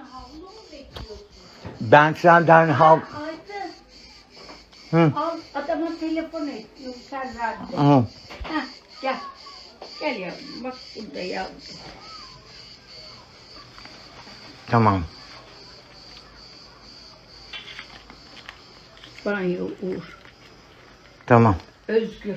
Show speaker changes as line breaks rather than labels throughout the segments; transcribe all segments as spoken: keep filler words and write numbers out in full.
havlu mu bekliyorsun?
Ben senden hav...
Aydın.
Hı.
Al adama telefon et. Yurtsel verdi.
Hı.
Heh, gel. Gel yavrum. Bak burada yavrum.
Tamam.
Banyo Uğur.
Tamam.
Özgür.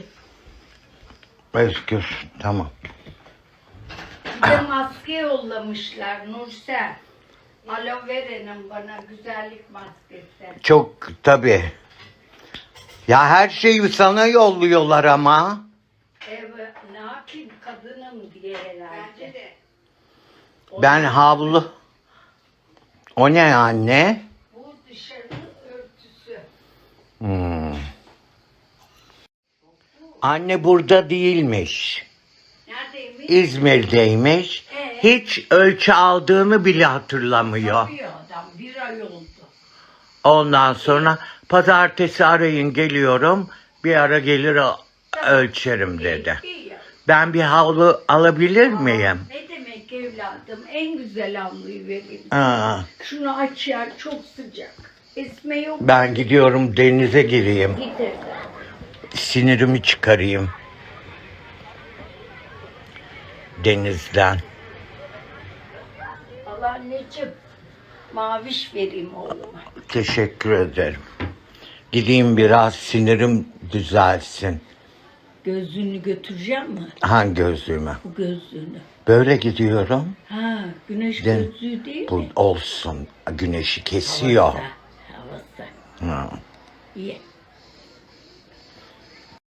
Özgür. Tamam.
Bir de maske yollamışlar Nursel. Aloe vera'nın bana güzellik maskesi.
Çok tabii. Ya her şeyi sana yolluyorlar ama.
Evet, ne yapayım kadınım diye herhalde. Bence de.
Ben havlu. O ne anne?
Bu dışarının örtüsü.
Hmm. Anne burada değilmiş.
Neredeymiş?
İzmir'deymiş.
Ee?
Hiç ölçü aldığını bile hatırlamıyor.
Yapıyor adam. Bir ay oldu.
Ondan sonra pazartesi arayın geliyorum. Bir ara gelir o- ölçerim dedi.
İyi, iyi ya.
Ben bir havlu alabilir miyim?
Ne demek evladım? En güzel havluyu vereyim.
Aa,
Şunu aç ya, çok sıcak. Esme yok.
ben gidiyorum denize gireyim.
Git evladım.
Sinirimi çıkarayım. Denizden.
Allah anneciğim. Maviş vereyim oğluma.
Teşekkür ederim. Gideyim biraz sinirim düzelsin.
Gözlüğünü götüreceğim mi?
Hangi gözlüğümü?
Bu gözlüğünü.
Böyle gidiyorum.
Ha, güneş
De-
gözlüğü değil
Bu
mi?
olsun. Güneşi kesiyor.
Havası. Havası.
Hı.
İyi.